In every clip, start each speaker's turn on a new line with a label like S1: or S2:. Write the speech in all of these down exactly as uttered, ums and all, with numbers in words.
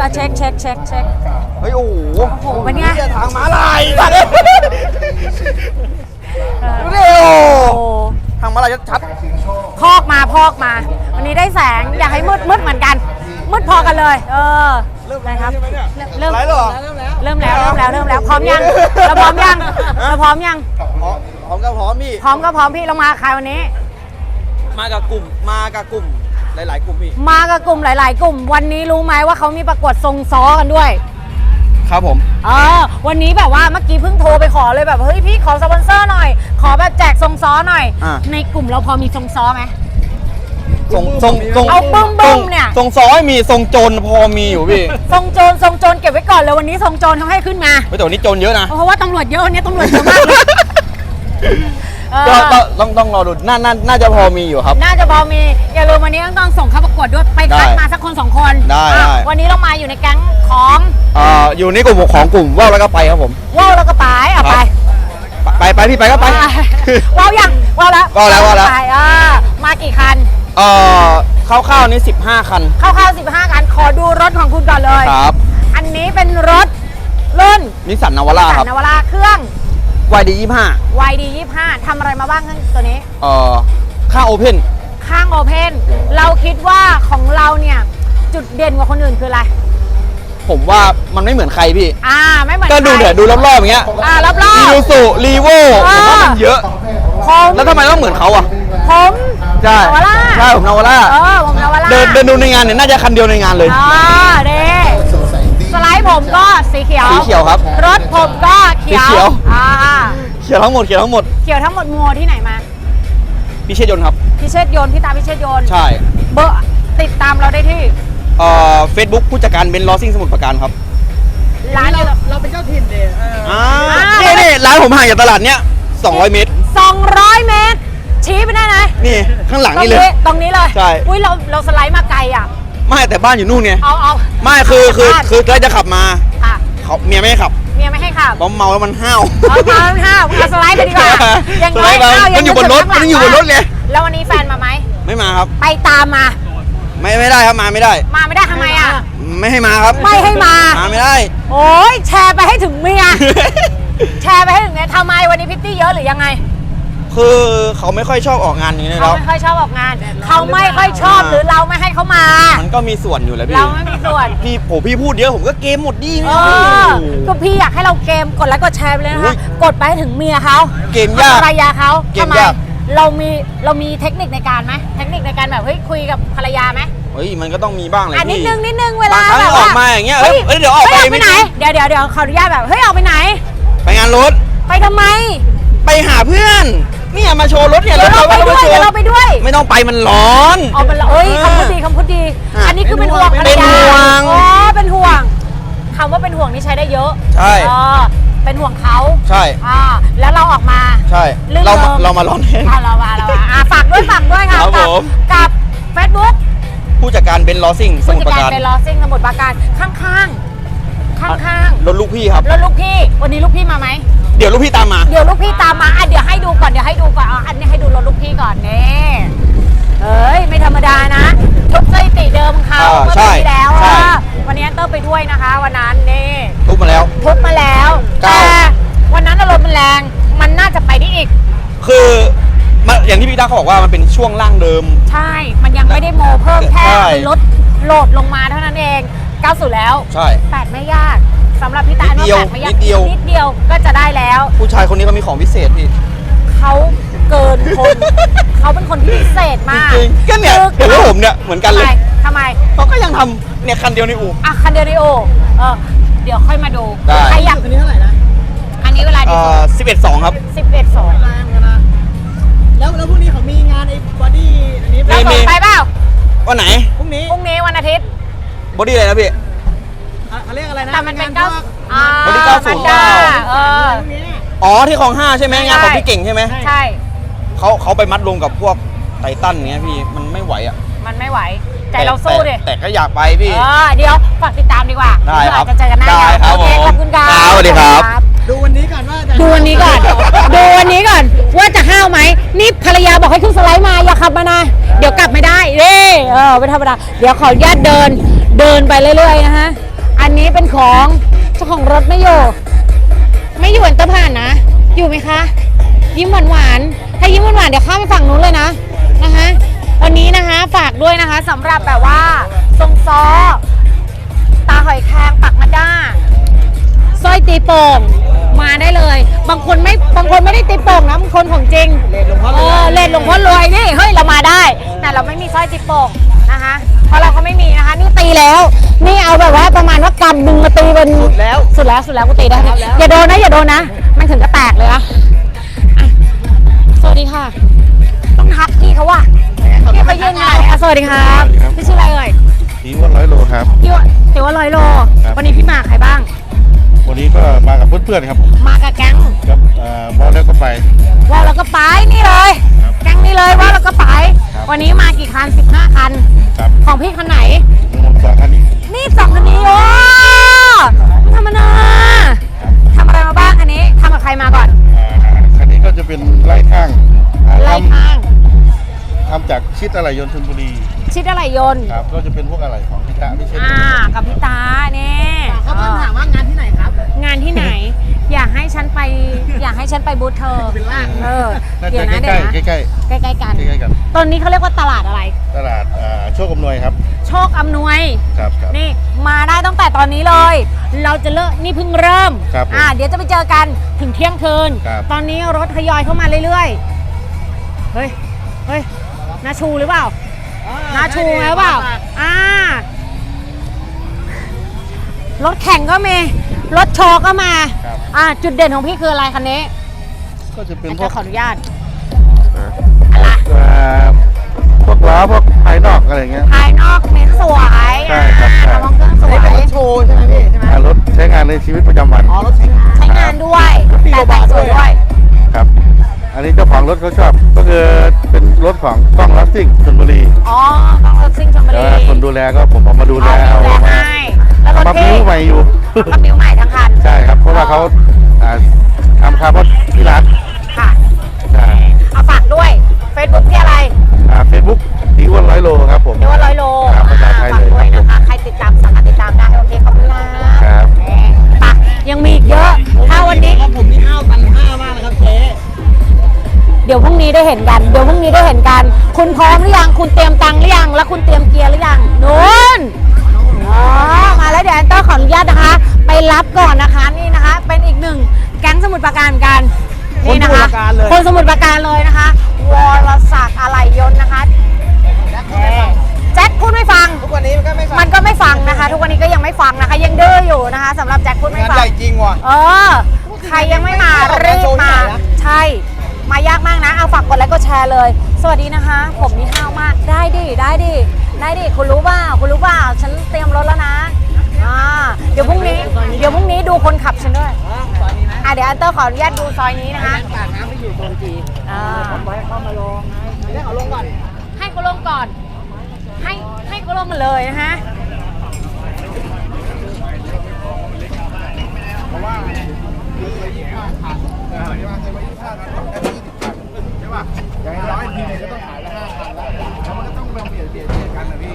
S1: อเช็คเช็คเช็คเช็ค
S2: เฮ้ยโอ้โห
S1: โอ้โหเป็นไง
S2: ทางม้าลายสัตว์เร็วทางม้าลายชัด
S1: พอกมาพอกมาวันนี้ได้แสงอยากให้มืดมืดเหมือนกันมืดพอกันเลยเออ
S2: เริ่ม
S1: นะครับ
S2: เริ่มแล้ว
S1: เริ่มแล้วเริ่มแล้วเริ่มแล้วพร้อมยังเราพร้อมยังเราพร้อมยัง
S2: พร้อมก็พร้อมพี่
S1: พร้อมก็พร้อมพี่เรามาใครวันนี้
S2: มากับกลุ่มมากับกลุ่มหลายๆกลุ่มพี่
S1: มากับกลุ่มหลายๆกลุ่มวันนี้รู้ไหมว่าเขามีประกวดทรงซ้อกันด้วย
S2: ครับผม
S1: เออวันนี้แบบว่าเมื่อกี้เพิ่งโทรไปขอเลยแบบเฮ้ยพี่ขอสปอนเซอร์หน่อยขอแบบแจกทรงซ้อหน่อยในกลุ่มเราพอมีทรงซ้อไหม
S2: ทรงทรงทรง
S1: เอาบึ้มบึ้มเนี่ย
S2: ทรงซ้อยมีทรงโจรพอมีอยู่พี่
S1: ทรงโจรทรงโจรเก็บไว้ก่อนเลยวันนี้ทรงโจรเขาให้ขึ้นมา
S2: แต่วันนี้โจรเยอะนะ
S1: เพราะว่าตำรวจเยอะวันนี้ตำรวจเยอะมากเลย
S2: ก็ต้องต้องรอดูน่าน่าจะพอมีอยู่ครับ
S1: น่าจะพอมีอย่าลืมวันนี้ต้องส่งเข้าประกวดด้วยไปคัดมาสักคนสองคน
S2: ได้
S1: วันนี้เรามาอยู่ในแก๊งของ
S2: อ่าอยู่ในกลุ่มของกลุ่มว่าวแล้วก็ไปครับผม
S1: ว่าวแล้วก็ไปอ่ะไป
S2: ไปไปพี่ไปก็ไป
S1: ว่าวยังว่าวแล้ว
S2: ว่าวแล้วว่าวแล้ว
S1: ไปอ่ามากี่คัน
S2: เอ่อคร่าวๆนี้สิบห้าคัน
S1: คร่าวๆสิบห้าคันขอดูรถของคุณก่อนเลย
S2: ครับ
S1: อันนี้เป็นรถรุ่น
S2: นิสสันนาวาร่าครับ
S1: นาวาร่าเครื่อง
S2: วาย ดี ยี่สิบห้า
S1: วาย ดี ยี่สิบห้า ทำอะไรมาบ้างตัวนี้
S2: เอ่อข้างโอเพน
S1: ข้างโอเพนเราคิดว่าของเราเนี่ยจุดเด่นกว่าคนอื่นคืออะไร
S2: ผมว่ามันไม่เหมือนใครพี่
S1: อ่าไม่เหมือน
S2: ก็ดูเดี๋ยวดูรอบๆอย่างเงี้ย
S1: อ่ารอบๆ
S2: อีซูซูรีโวผมว่ามันเยอะแล้วทำไมต้องเหมือนเขาอ่ะ
S1: ผม
S2: ใช่
S1: นาวาร่า
S2: ใช่ผมนาวาร่า
S1: เออผมนาวาร่า
S2: เดินเดินดูในงานเนี่ยน่าจะคันเดียวในงานเลย
S1: อ่าเด้สไลด์ผมก็สีเขียว
S2: สีเขียวครับ
S1: รถผมก็เขียวอ่า
S2: เขียวทั้งหมดเขียวทั้งหมด
S1: เขียวทั้งหมดมัวที่ไหนมา
S2: พิเชษยนต์ครับ
S1: พิเชษยนต์พี่ตาพิเชษยนต์
S2: ใช่
S1: เบอร์ติดตามเราได้ที่
S2: เอ่อเฟซบุ๊กผู้จัดการเบนซ์ลอซิ่งสมุทรปราการครับ
S1: ร้านเรา
S3: เราเป็นเจ้าถิ่นเด้
S2: อ่านี่นี่ร้านผมห่างจากตลาดเนี้ยสองร้อยเมตร
S1: สองร้อยเมตรชี้ไปได้ไหม
S2: นี่ข้างหลังนี่เลย
S1: ตรงนี้เลย
S2: ใช่
S1: อุ้ยเราเราสไลด์มาไกลอ่ะ
S2: ไม่แต่บ้านอยู่นู่นไง
S1: เอาเอา
S2: ไม่คือคือคือใกล้จะขับมา
S1: ค่ะ
S2: เขาเมียไม่ให้ขับ
S1: เมียไม่ให้ขับ
S2: เพราะเมาแล้วมันห้าว
S1: เมาแล้วมันห้าวเอาสไลด์ไปดีกว่า
S2: ยังน้อยมันอยู่บนรถมันอยู่บนรถเลย
S1: แล้ววันนี้แฟนมาไหม
S2: ไม่มาครับ
S1: ไปตามมา
S2: ไม่ไม่ได้ครับมาไม่ได้
S1: มาไม่ได้ทำไมอ่ะ
S2: ไม่ให้มาครับ
S1: ไม่ให้มา
S2: มาไม่ได้
S1: โอ้ยแชร์ไปให้ถึงเมียแชร์ไปให้ถึงเมียทำไมวันนี้พิตตี้เยอะหรือยังไง
S2: คือเขาไม่ค่อยชอบออกงานอย่างนี้แล้ว
S1: เขาไม่ค่อยชอบออกงานเขาไม่ค่อยชอบหรือเราไม่ให้เขามา
S2: มันก็มีส่วนอยู่แล้วพี่
S1: เราไม่มีส่วน
S2: พี่โอ้พี่พูดเยอะผมก็เกมหมดดี
S1: ไม่ก็พี่อยากให้เราเกมกดไลค์กดแชร์ไปเลยนะคะกดไปให้ถึงเมียเขา
S2: เกมยาก
S1: ภรรยาเขา
S2: เกมยาก
S1: เรามีเรามีเทคนิคในการไหมเทคนิคในการแบบเฮ้ยคุยกับภรรยาไหม
S2: เฮ้ยมันก็ต้องมีบ้างเลยพี่
S1: นิดนึงนิดนึงเวลา
S2: แบบออกมาอย่างเงี้ยเฮ้ยเดี๋ยวออกไป
S1: ไปไหนเดี๋ยวเดี๋ยวเดี๋ยวขออนุญาตแบบเฮ้ยออกไปไหน
S2: ไปงานรถ
S1: ไปทำไม
S2: ไปหาเพื่อนเนี่ยมาโชว์รถเนี่ย
S1: เราไปด้วยเราไปด้วย
S2: ไม่ต้องไปมันร้อน
S1: อ๋อมันร้อนเอ้ยคำพูดดีคำพูดดีอันนี้คือเป็นห่วงภรรยา
S2: เป็นห่วง
S1: อ๋อเป็นห่วงคำว่าเป็นห่วงนี่ใช้ได้เยอะ
S2: ใช่
S1: อ๋อเป็นห่วงเขา
S2: ใช่
S1: อ่าแล้วเราออกมา
S2: ใช่เราเรามาร้อนแห้ง
S1: เรามาเราอ่าฝากด้วยฝากด้วยค่ะกับกับเฟซบุ๊ก
S2: ผู้จัดการเบนซ์ลอซิ่งสมุทรปราการ
S1: เบนซ์ลอซิ่งสมุทรปราการข้างข้างข้างข้าง
S2: รถลูกพี่ครับ
S1: รถลูกพี่วันนี้ลูกพี่มาไหม
S2: เดี๋ยวลูกพี่ตามมา
S1: เดี๋ยวลูกพี่ตามมาอ่ะเดี๋ยวให้ดูก่อนเดี๋ยวให้ดูก่อนอันนี้ให้ดูรถลูกพี่ก่อนนี่เฮ้ยไม่ธรรมดานะทุบสถิติเดิมเขาเมื่อปีที่แล้ววันนี้เตอร์ไปด้วยนะคะวันนั้นนี่
S2: ทุบมาแล้ว
S1: ทุบมาแล้วแต่วันนั้นอารมณ์มันแรงมันน่าจะไปได้อีก
S2: คืออย่างที่พี่ตาเขาบอกว่ามันเป็นช่วงล่างเดิม
S1: ใช่มันยังไม่ได้โมเพิ่มแค่ลดโหลดลงมาเท่านั้นเองเก้าสิบแล้ว
S2: ใช่
S1: แปดไม่ยากสำหรับพี่ตาว่าแปดไม่ยากนิดเดียวนิดเดียวก็จะได้แล้ว
S2: ผู้ชายคนนี้เขามีของพิเศษพี่
S1: เขาเกินคนเขาเป็นคนที่พิเศษมาก
S2: จริงก็เนี่ยเห็นว่าผมเนี่ยเหมือนกันเลย
S1: ทำไม
S2: เขาก็ยังทำเนี่ยคันเดียวในอู่
S1: อ่ะคันเดียวในอู่เออเดี๋ยวค่อยมาดู
S2: ใคร
S1: อยาก
S3: คันนี้เท่าไหร่นะ
S1: อันนี้เวลาดี
S2: สิบเอ็ดสองครับ
S1: สิบเอ็ดสอง
S3: แรงกันนะแล้วแล้วพรุ่งนี้เขามีงานไอ้บอดี้อันนี้
S1: เราส่งไปเปล่า
S2: วันไหน
S3: พรุ่งนี้
S1: พรุ่งนี้วันอาทิตย์
S2: บอดี้อะไรนะพี่
S3: เขาเรียกอะไรนะ
S1: แต่มันเป็นเก้า
S2: บอดี้เก้าศูนย์เก้า
S1: เออ
S2: อ๋อที่คลองห้าใช่ไหมงานของพี่เก่งใช่ไหม
S1: ใช่
S2: เขาเขาไปมัดรวมกับพวกไททันเงี้ยพี่มันไม่ไหวอ่ะ
S1: มันไม่ไหวใจเราสู้ดิ
S2: แต่ก็อยากไปพี่
S1: เดี๋ยวฝากติดตามดีกว่า
S2: ได้ครับ
S1: จะเจอกันหน้าได้
S2: ครับผม
S1: ขอบคุณครับ
S2: สวัสดีครับ
S3: ดูวันนี้ก่อนว่า
S1: ดูวันนี้ก่อนดูวันนี้ก่อนว่าจะห้าวไหมนี่ภรรยาบอกให้ขึ้นสไลด์มาอย่าขับมานะเดี๋ยวกลับไม่ได้เด้เออไม่ธรรมดาเดี๋ยวขออนุญาตเดินเดินไปเรื่อยๆนะฮะอันนี้เป็นของเจ้าของรถไม่อยู่ไม่อยู่อันเตอร์ผ่านนะอยู่ไหมคะยิ้มหวานหวานๆถ้ายิ้มหวานหวานๆเดี๋ยวข้ามไปฝั่งนู้นเลยนะนะคะวันนี้นะคะฝากด้วยนะคะสำหรับแบบว่าทรงซ้อตาหอยแครงปักมาด้าสร้อยตีโป่งมาได้เลยบางคนไม่บางคนไม่ได้ตีโป่งนะบางคนของจริง
S3: เลนหลวงพ่อ
S1: เออเล่นหลวงพ่อรวยนี่เฮ้ยเรามาได้แต่เราไม่มีสร้อยตีโป่งนะคะเพราะเราก็ไม่มีนะคะนี่ตีแล้วนี่เอาแบบว่าประมาณว่ากำดึงมาตีเป็น
S3: สุดแล้ว
S1: สุดแล้วสุดแล้วกูตีได้นะอย่าโดนนะอย่าโดนนะมันถึงจะแตกเลยนะอ่ะสวัสดีค่ะ ต้องทักพี่เขาว่ะพี่เขายืนไงอ่ะสวัสดีครับพี่ชื่ออะไรเอ่ย
S4: ทีว่าร้อยโลครับ
S1: พี่ว่าถือว่าร้อยโล
S4: ครับ
S1: วันนี้พี่มาใครบ้าง
S4: วันนี้ก็มากับเพื่อนๆครับ
S1: มากับแก๊ง
S4: กับบอลแล้วก็ไป
S1: ว่าวแล้วก็ไปนี่เลย
S4: ครับ
S1: แก๊งนี้เลยว่าวแล้วก็ไป
S4: ครับ
S1: วันนี้มากี่คันสิบห้าคัน
S4: ครับ
S1: ของพี่คันไหน
S4: รวมสองคันนี้
S1: นี่สองคันนี้โอ้ไม่ธรรมดาทำอะไรมาบ้างคันนี้ทำกับใครมาก่อน
S4: อ่าคันนี้ก็จะเป็นไล่ข้างอ่า
S1: ไล่
S4: ท
S1: ข้าง
S4: ำทำจากชิดอะไหล่ยนต์ชลบุรี
S1: ชิดอะไรยนต์
S4: ครับก็จะเป็นพวกอะไหล่ของพิตะไม่ใช่
S1: อ่ากับพี่ตาเนี่ย
S3: เขาเพิ่งถามว่างานที่ไหนครับ
S1: งานที่ไหน อยากให้ฉันไป อยากให้ฉันไปบูธเธอ
S3: เป็นล่าง
S1: เออ
S4: น่า
S1: เดี๋ย
S4: จะ
S1: วนะ
S4: ใก
S1: เดี๋ยว
S4: ล้
S1: นะ
S4: ๆใกล้
S1: ใกล้ๆกัน
S4: ๆใกล้ๆกัน
S1: ตอนนี้เขาเรียกว่าตลาดอะไร
S4: ตลาดอ่าโชคอำนวยครับ
S1: โชคอำนวย
S4: ครับครับ
S1: นี่มาได้ตั้งแต่ตอนนี้เลย เราจะเลิกนี่เพิ่งเริ่ม
S4: ครับผม
S1: อ่าเดี๋ยวจะไปเจอกันถึงเที่ยงคืน
S4: ครับ
S1: ตอนนี้รถทยอยเข้ามาเรื่อยๆ เฮ้ย เฮ้ยนาชูหรือเปล่านาชูไหมเปล่า อ่ารถแข่งก็มี รถโชว์ก็มา
S4: ครับ
S1: อ่าจุดเด่นของพี่คืออะไรคันนี้
S4: ก็จะเป็นพ
S1: จะ
S4: วก
S1: ขออนุญาต
S4: อ่าพวกล้อพวกภายนอกอะไรอย่างเงี้ย
S1: ภายนอกเน้นสวย
S4: ใช่ครับใช่
S1: อ่ามองเครื่องส
S3: อัน
S1: ว
S3: นี้เป็นร
S1: ย
S3: ถโชว์ใช่ไหมพี่ใช่ไหม
S4: อ่ารถใช้งานในชีวิตประจำวัน
S3: อ๋อรถใช้งาน
S1: ใช้งานด้วย
S3: ปี
S1: แต่
S3: กว่า
S1: แต่ง
S3: บาท
S1: สวยด้วย
S4: ครับ อันนี้เจ้าของรถเขาชอบ ก็คือเป็นรถของกล้องลัสซิ่งชลบุรี
S1: อ๋อต้องรถซิ่งชลบุ
S4: แล้
S1: รี
S4: วคนดูแลก็ผมเอามาดูแล
S1: เอา
S4: เอา
S1: ดูแล
S4: มา
S1: ให้แล้วรถ
S4: มา
S1: พี่
S4: บิ้วใหม่อยู่
S1: ก็บิ้วใหม่ทั้งคัน
S4: ใช่ครับ เพราะว่าเขาอ่าทำคาร์บอนที่ร้าน
S1: ค่ะ
S4: ใช่
S1: เอาฝากด้วย Facebook ที่อะไร
S4: เฟซบุ๊กทีอ้วนร้อยโลครับผม
S1: เรียกว่าร้อยโล
S4: ครับภาษาไทย
S1: ฝาก
S4: เลย
S1: ด้วย
S4: ครับ
S1: นะคะ ใครติดตามสามารถติดตามได้ โอเคขอบคุณนะครับ แหมไปยังมีอีกเยอะ ถ้าวันนี้
S3: ครับผมนี่ห้าวตันห้ามากนะครับเจ๊
S1: เดี๋ยวพรุ่งนี้ได้เห็นกัน เดี๋ยวพรุ่งนี้ได้เห็นกัน คุณพร้อมหรือยัง คุณเตรียมตังค์หรือยัง แล้วคุณเตรียมเกียร์หรือยังนู่นอ๋อมาแล้วเดี๋ยวแอนเตอร์ขออนุญาตนะคะ ไปรับก่อนนะคะ นี่นะคะ เป็นอีกหนึ่งแก๊งสมุทรปราการเหมือนกัน นี่นะคะ คนสมุทรปราการเลยนะคะ วรศักดิ์อะไหล่ยนต์นะคะแจ็คพูดไม่ฟัง
S3: ทุกวันนี้มันก็ไม่ฟัง
S1: มันก็ไม่ฟังนะคะ ทุกวันนี้ก็ยังไม่ฟังนะคะ ยังดื้ออยู่นะคะสำหรับแจ็คพูดไม่
S3: งาน
S1: ฟัง
S3: ใหญ่จริงว่ะ
S1: เออ ใครยังไม่มารีบมา ใช่ มายากมากนะ เอาฝากกดไลค์กดแชร์เลย สวัสดีนะคะ ผมนี่ห้าวมาก ได้ดิ ได้ดิ ได้ดิ คุณรู้เปล่า คุณรู้เปล่า ฉันเตรียมรถแล้วนะ อ่า เดี๋ยวพรุ่งนี้ เดี๋ยวพรุ่งนี้ดูคนขับฉันด้วย
S3: อ๋อซอยนี้นะ
S1: อ่ะเดี๋ยวอันเตอร์ขออนุญาตดูซอยนี้นะคะ
S3: ปากน้ำไปอยู่โซนจี
S1: อ่า
S3: ผมไว้เข้ามาลงไงเดี๋ยวเขาลงก่อน
S1: ให้เขาลงก่อน ให้ให้เขาลงมาเลยนะฮะ
S4: อย่างน้อยทีนึงก็ต้องขายละห้าคันแล้วแล้วมันก็ต้องเปลี่ยนเปลี่ยนเปลี่ยนกันนะพี่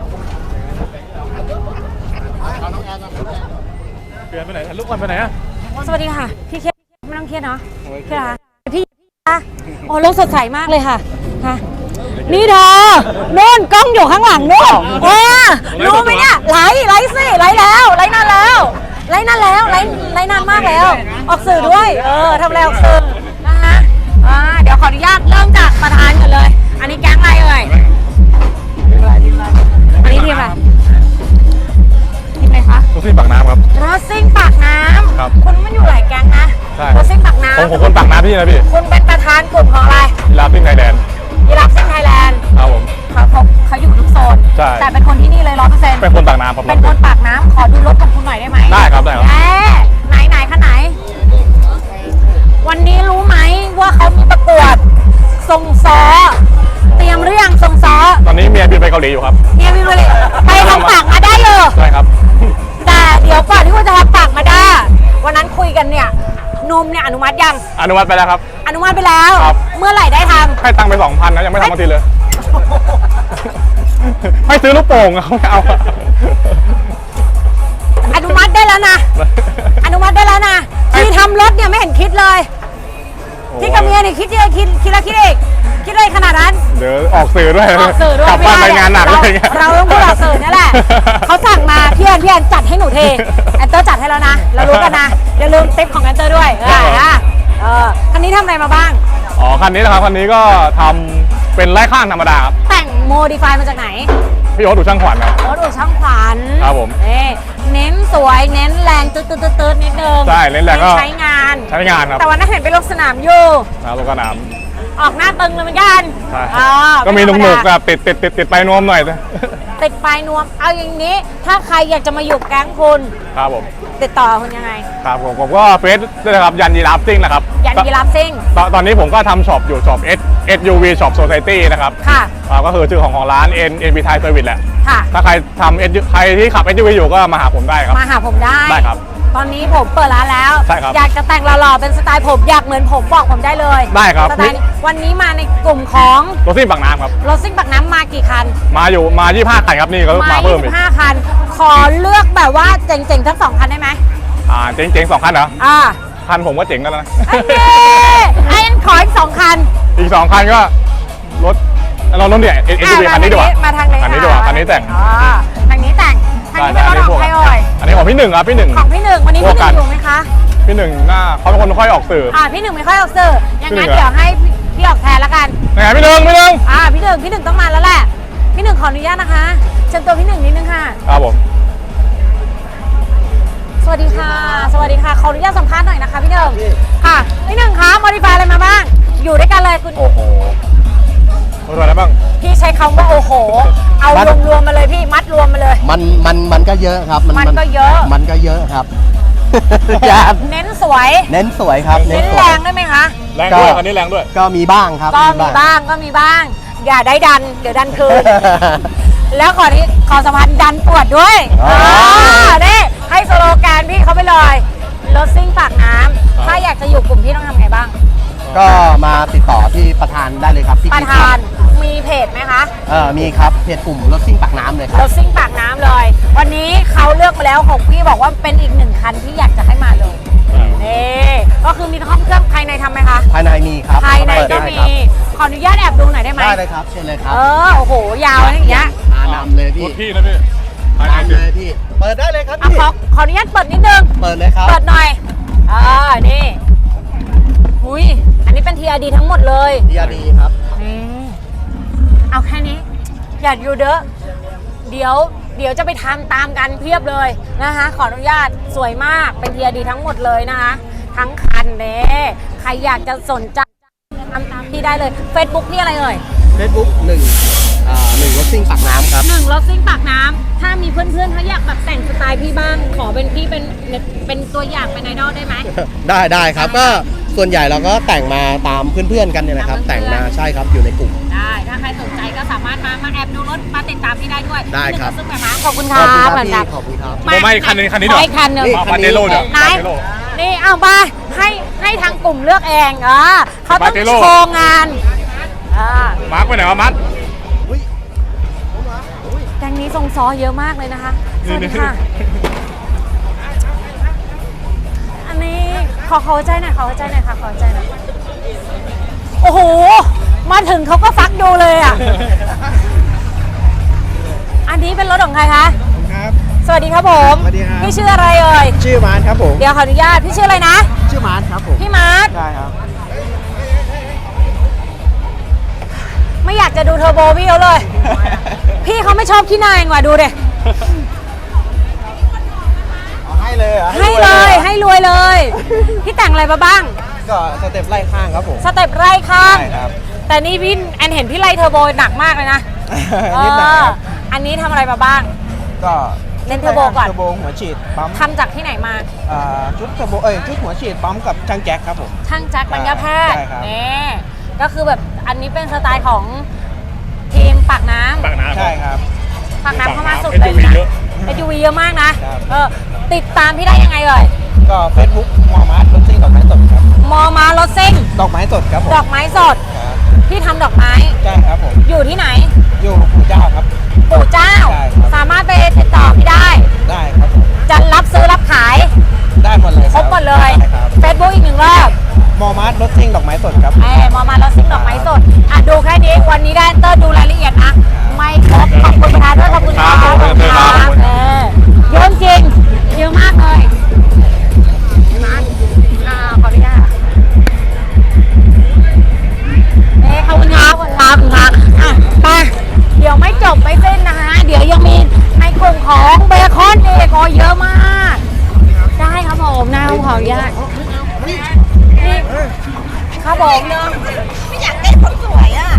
S4: เอาน้องแอนมาเปลี่ยนไปไหนถ่ายรูปก่อนไปไหนอะ
S1: สวัสดีค่ะ พี่เครียดไม่ต้องเครียดเนาะเครียดค่ะพี่คะโอ้โลกสดใสมากเลยค่ะค่ะนี่เธอโน่นกล้องอยู่ข้างหลังโน่นเออรู้ไหมเนี่ยไลฟ์ไลฟ์สิไลฟ์แล้วไลฟ์นานแล้วไลฟ์นานแล้วไลฟ์ไลฟ์นานมากแล้ว ออกสื่อด้วย เออทำอะไรออกสื่อนะคะอ่าเดี๋ยวขออนุญาตเริ่มจากประธานก่อนเลย อันนี้แก๊งอะไรเอ่ยอันนี้ทีมอะไรทีมอะไรคะ
S2: ทุกที่ปากน้ำครับ
S1: รถซิ่งปากน้
S2: ครับ
S1: ำคุณมันอยู่หลายแก๊งนะ
S2: ใช่
S1: รถซิ่งปากน้
S2: ผมผมคนปากน้ำพี่นะพี่
S1: ำคุณเป็นประธานกลุ่มของอะไร
S2: กีฬาปิ้งไทยแลนด์
S1: ยีราฟซิ่งไทยแลนด์
S2: ครับผม
S1: เขาเขาเขาอยู่ทุกโซน
S2: ใช่
S1: แต่เป็นคนที่นี่เลยร้อยเปอร์เซ็นต์
S2: เป็นคนปากน้ำครับ
S1: เป็นคนปากน้ำขอดูรถของคุณหน่อยได้ไหม
S2: ได้ครับได้ครับ
S1: แหมไหนไหนคันไหน วันนี้รู้ไหมว่าเขามีประกวดส่งซ้อ เตรียมหรือยังส่งซ้อ
S2: ตอนนี้เมียบินไปเกาหลีอยู่ครับ
S1: เนี่ยพี่เลยไปทำปากมาได้เลย
S2: ใช่ครับ
S1: แต่เดี๋ยวก่อนที่ว่าจะทำปากมาได้วันนั้นคุยกันเนี่ยนมเนี่ยอนุมัติยัง
S2: อนุมัติไปแล้วครับ
S1: อนุมัติไปแล้ว
S2: ครับ
S1: เมื่อไหร่ได้ท
S2: ให้ตังค์ไปสองพันนะยังไม่ทำมาทีเลย ให้ซื้อลูกโป่งอะเขาไม่เอาอะ
S1: ำอเลย คิดกับเมียนี่คิดเยอะคิดคิดแล้วคิดอีกคิดเลยขนาดนั้น
S5: เดี๋ยวออกสื่อด้วย
S1: ออกสื่อด้วย
S5: กลับบ้านไปงานหนัก
S1: เรา
S5: อะไรเงี้ย
S1: เราต้องพูดออกสื่อนี่แหละเขาสั่งมาพี่แอนพี่แอนจัดให้หนูเทแอนเตอร์จัดให้แล้วนะเรารู้กันนะอย่าลืมติ๊ปของแอนเตอร์ด้วยเออเออคันนี้ทำอะไรมาบ้าง
S5: อ๋อคันนี้นะครับคันนี้ก็ทำเป็นไล่ข้างธรรมดาครับ
S1: แต่งโมดิฟายมาจากไหน
S5: พี่โอ๊ตดูช่างขวัญครับ
S1: รถอู่ช่างขวัญ
S5: ครับผม
S1: เอ้เน้นสวยเน้นแรงตืดตืดตืดตืดนิดนึง
S5: ใช่เน้นแรงก็
S1: ใช้งาน
S5: ใช้งานครับ
S1: แต่วันนั้นเห็นไปลงสนามอยู่
S5: นะรถกระหน่
S1: ออกหน้าตึงเลยเหมือนกัน
S5: ำใช่
S1: อ่า
S5: ก็มีห
S1: ไธรร
S5: นุก
S1: ดา
S5: ๆแบบติดติดติดติดไปนวมหน่อย
S1: ติดปลายนวม เอาอย่างนี้ ถ้าใครอยากจะมาอยู่แก๊งคุณ
S5: ครับผม
S1: ติดต่อคุณยังไง
S5: ครับผมผมก็เฟซด้วยนะครับยันยีราฟซิ่งนะครับ
S1: ยันยีราฟซิ่ง
S5: ตอนตอนนี้ผมก็ทำช็อปอยู่ช็อป S เอส ยู วี Shop Society นะครับ
S1: ค่ะ
S5: อ่าก็คือชื่อของของร้าน N N B Thai Service แหละ
S1: ค่ะ
S5: ถ้าใครทำ S ใครที่ขับ เอส ยู วี อยู่ก็มาหาผมได้ครับ
S1: มาหาผมได้
S5: ได้ครับ
S1: ตอนนี้ผมเปิดร้านแล้ว
S5: ใช่ครับ
S1: อยากจะแต่งหล่อๆเป็นสไตล์ผมอยากเหมือนผมบอกผมได้เลย
S5: ได้ครับ
S1: สไตล์นี้วันนี้มาในกลุ่มของ
S5: รถซิ่งปากน้ำครับ
S1: รถซิ่งปักน้ำมากี่คัน
S5: มาอยู่มายี่สิบห้าคันครับนี่ก็
S1: มา
S5: มาเพิ่มอีก
S1: ยี่สิบห้าคัน ขอเลือกแบบว่าเจ๋งๆทั้งสองคันได้ไหม
S5: อ่าเจ๋งๆสองคันเหรอ
S1: อ่า
S5: คันผมก็เจ๋งแล้วนะ
S1: ไอ้เน่ไอ้ยันขออีกสองคัน
S5: อีกสองคันก็รถเรารถเนี่ย เอส ยู วี
S1: อ่ะ
S5: คันนี้ดีกว่า
S1: มาทางนี้
S5: คันนี้ดีกว่าคันนี้แต่ง
S1: อ๋อทางนี้แต่งทางนี้เป็นรถของใครเอ่ย
S5: อันนี้ของพี่หนึ่งครับพี่หนึ่ง
S1: ของพี่หนึ่งวันนี้
S5: พว
S1: พี่
S5: ก
S1: ห
S5: กั
S1: นึ่
S5: น
S1: งอยู่ไหมคะ
S5: พี่หนึ่งหน้าเขาเป็นคนไม่ค่อยออกสื่อ
S1: อ่าพี่หนึ่งไม่ค่อยออกสื่ออย่างนั้น
S5: พี่หนึ่งเหรอ
S1: เดี๋ยวให้พี่ออกแทนละกัน
S5: ไหนพี่หนึ่งพี่หนึ่ง
S1: อ่าพี่หนึ่งพี่หนึ่งต้องมาแล้วแหละพี่หนึ่งขออนุญาตนะคะเชิญตัวพี่หนึ่งนิดนึงค่ะ
S5: ครับผม
S1: สวัสดีค่ะ สวัสดีค่ะขออนุญาตสัมภาษณ์หน่อยนะคะพี่หนึ่งค่ะพี่หนึ่งคะมอดิฟายอะไรมาบ้าง อยู่ด้วยกันเลยคุณ
S5: โอ้โหรถอะไรบ้าง
S1: พี่ใช้คำว่าโอ้โห เอารวมๆมาเลยพี่มัดรวมมาเลย
S3: มันมันมันก็เยอะครับ
S1: มันก็เยอะ
S3: มันก็เยอะครับ อย่า
S1: เน้นสวย
S3: เน้นสวยครับ
S1: เน้น
S3: ส
S1: แร
S3: วย
S1: งได้ไหมคะ
S5: แรงด้วยคันนี้แรงด้วย
S3: ก็มีบ้างครับ
S1: ก็มีบ้างก็มีบ้าง อย่าได้ดัน เดี๋ยวดันคืน แล้วขอที่ขอสัมพันธ์ดันปวดด้วย
S3: อ๋อ
S1: อ่านี่ให้สโลแกนพี่เขาไปเลยรถซิ่งปากน้ำถ้าอยากจะอยู่กลุ่มพี่ต้องทำไงบ้าง
S3: ก็มาติดต่อที่ประธานได้เลยครับที่
S1: ประธานมีเพจไหมคะ
S3: เออมีครับเพจกลุ่มรถซิ่งปากน้ำเลยค
S1: ร
S3: รับ
S1: ถซิ่งปากน้ำเลย วันนี้เขาเลือกมาแล้วของพี่บอกว่าเป็นอีกหนึ่งคันที่อยากจะให้มาเลยนี่ก็คือมีห้องเครื่องภายในทำไหมคะ
S3: ภายในมีครับ
S1: ภายในก็
S3: ได้
S1: มี
S3: ครับ
S1: ขออนุญาตแอบดูหน่อยได้ไหม
S3: ได้เลยครับเชิญเลยครับ
S1: เออโอ้โหยาวอะไรอย่างเงี้ย
S3: มานำเลย
S5: ร
S3: พี่
S5: ถพี่นะพี่ภายใน
S3: นำ
S5: สิ
S3: เลยพี่เปิดได้เลยครับ
S1: อ่ะ
S3: พี่
S1: ขอขออนุญาตเปิดนิดนึง
S3: เปิดเลยครับ
S1: เปิดหน่อยอ่านี่อุ้ยอันนี้เป็น ที อาร์ ดี ทั้งหมดเลย
S3: ดีอาร์ดีครับ
S1: นี่เอาแค่นี้ อย่าอยู่เด้อเดี๋ยว เดี๋ยวจะไปทำตามกันเพียบเลยนะคะ ขออนุญาตสวยมากเป็น ที อาร์ ดี ทั้งหมดเลยนะคะ ทั้งคันเน่ใครอยากจะสนใจทำตามที่ได้เลย Facebook พี่อะไรเอ่ย
S3: เฟซบุ๊กหนึ่งอ่าหนึ่งรถซิ่งปากน้ำครับ
S1: หนึ่งรถซิ่งปากน้ำถ้ามีเพื่อนๆเขาอยากแบบแต่งสไตล์พี่บ้าง ขอเป็นพี่เป็นเป็นตัวอย่างเป็นไอดอลได้ไหม
S3: ได้ได้ครับก็ส่วนใหญ่เราก็แต่งมาตามเพื่อนๆกันเนี่ยนะครับ
S1: ตามเพื่
S3: แต่
S1: อน
S3: ง
S1: ๆ
S3: มาใช่ครับอยู่ในกลุ่ม
S1: ได้ ถ้าใครสนใจก็สามารถมา มาแอบดูรถ มาติดตามพี่ได้ด้วย
S3: ได้ครับ
S1: ซึ่งแบบขอบคุณค
S3: ข
S1: รั
S3: อ
S1: บบ
S3: คุณครับ
S1: เหมือน
S3: พี่
S1: กัน
S3: ขอบคุณครับ
S5: ผมไม่คันนี้คันนี้
S1: ข
S5: เดี๋
S1: อ
S5: ยว
S1: อีกคันหนึ่ง
S3: นี่
S5: มาปาเจโร่เดี๋ยว
S1: ไหน
S5: ปาเจโร่
S1: นี่เอาไปให้ให้ทางกลุ่มเลือกเองเออเขาต้อง
S5: ปาเจโร่
S1: โชว์งานอ่า
S5: มาร์คไปไหนวะมัด
S1: แกงนี้ทรงซ้อเยอะมากเลยนะคะ สวัสดีค่ะ อันนี้ขอขอหัวใจหน่อยขอหัวใจหน่อยค่ะขอหัวใจหน่อยโอ้โห มาถึงเขาก็ฟักดูเลยอ่ะ อันนี้เป็นรถของใครคะ
S3: ครับ
S1: สวัสดีครับผม
S3: สวัสดีครับ
S1: พี่ชื่ออะไรเอ่ย
S3: ชื่อมาร์ทครับผม
S1: เดี๋ยวขออนุญาต พี่ชื่ออะไรนะ
S3: ชื่อมาร์ทครับผม
S1: พี่มาร์ท
S3: ใช่ครับ
S1: ไม่อยากจะดูเทอร์โบพี่เขาเลย พี่เขาไม่ชอบขี้นายว่ะดูเด็
S3: ให้เลยเหรอ
S1: ให้เลย ให้รวยเลย พี่แต่งอะไรมาบ้าง
S3: ก็สเต็ปไล่ข้างครับผม
S1: สเต็ปไร่ข้าง
S3: ใช่ครับ
S1: แต่นี่พี่แอนเห็นพี่ไล่เทอร์โบหนักมากเลยนะ
S3: นิดหน่อยครับ
S1: เอออันนี้ทำอะไรมาบ้าง
S3: ก็
S1: เน้นเทอร์โบก่อน
S3: เทอร์โบหัวฉีดปั๊ม
S1: ทำจากที่ไหนมา
S3: อ่าชุดเทอร์โบเอ้ยชุดหัวฉีดปั๊มกับช่างแจ็คครับผม
S1: ช่างแจ็คปัญญาแพทย์
S3: ใช่ครับ
S1: นี่ก็คือแบบอันนี้เป็นสไตล์ของทีมปากน้ำ
S5: ปากน้ำ
S3: ใช่ครับ
S1: ปากน้ำเข้ามาสุด
S5: เอส
S1: เลย
S5: ยูวี
S1: นะ
S5: เยอะ
S1: เอสยูวีเยอะมากนะครับ เออติดตามพี่ได้ยังไงเอ่ย
S3: ก็เฟซบุ๊กมอมาร์ทรถซิ่งดอกไม้สดครับ
S1: มอมารถซิ่ง
S3: ดอกไม้สดครับผม
S1: ดอกไม้สด
S3: ครับ
S1: พี่ทำดอกไม้
S3: ใช่ครับผม
S1: อยู่ที่ไหน
S3: อยู่ปู่เจ้าครับ
S1: ปู่เจ้า
S3: ใช่ครับ
S1: สามารถไปติดต่อพี่ได้
S3: ได้ครับผม
S1: จะรับซื้อรับขาย
S3: ได้หมดเลย
S1: ครบหมดเลย
S3: ได้ครับ
S1: Facebook อีกหนึ่งรอบออนุญาตนี่ครับผม
S6: ไม่อยากได้คนสวยอ่ะ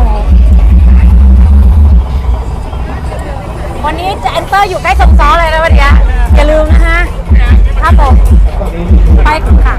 S1: วันนี้จะแอนเตอร์อยู่ใกล้สมซ้อเลยนะวันนี้อย่าลืมนะฮะครับผมไปค่ะ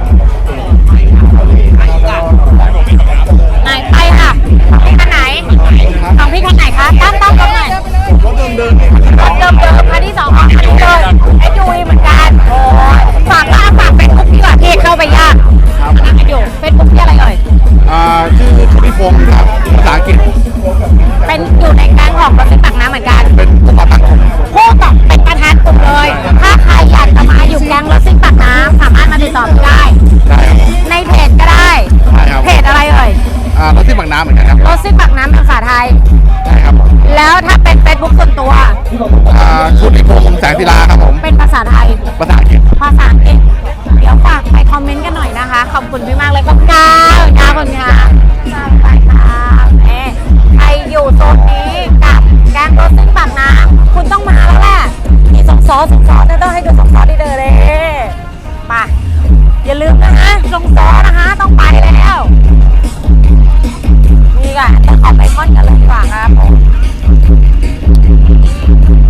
S1: ไหนไปค่ะพี่คันไหนของพี่คันไหนคะตั้งตั้งตรงไหนรถเดิมเดิมรถเดิมเดิมคันที่สองคันนี้เลยไอยูวีเหมือนกันโอ้ฝากว่าฝากเฟซบุ๊กดีกว่าพี่เข้าไปยากนั่งกันอยู่เฟซบุ๊กที่อะไรเอ่ย
S4: อ่าชื่อทวิพงศ์ครับภาษาอังกฤษ
S1: เป็นอยู่ในแก๊งของรถซิ่งปากน้ำเหมือนกัน
S4: เป็นผู้ก่อตั้งกลุ่ม
S1: ผู้กับเป็นประธานกลุ่มเลย ถ้าใครอยากจะมาอยู่แก๊งรถซิ่งปากน้ำสามารถมาติดต่อพี่ได้
S4: ใช่ครับผม
S1: ในเพจก็ได้
S4: ใช่ครับ
S1: เพจอะไรเอ่ย
S4: อ่ารถที่บางน้ำเหมือนกันครับ
S1: รถซิ่งปากน้ำภาษาไทย
S4: ใช่ครับผม
S1: แล้วถ้าเป็นเฟซบุ๊กส่วนตัว
S4: อ่าชุติพงศ์แสงศิลาครับผม
S1: เป็นภาษาไทย
S4: ภาษาอังกฤษ
S1: ภาษาอังกฤษเดี๋ยวฝากไปคอมเมนต์กันหน่อยนะคะ ขอบคุณพี่มากเลยขอบคุณค่ะขอบคุณค่ะไปค่ะแหมใครอยู่โซนนี้กับแก๊งรถซิ่งปากน้ำคุณต้องมาแล้วแหละมีสองซอสองซอสต้องให้ดูสองซอสที่เดินเลยไปอย่าลืมนะคะสองซอสนะคะต้องไปแล้วนี่ค่ะจะขอไปคอนกันเลยดีกว่าครับผม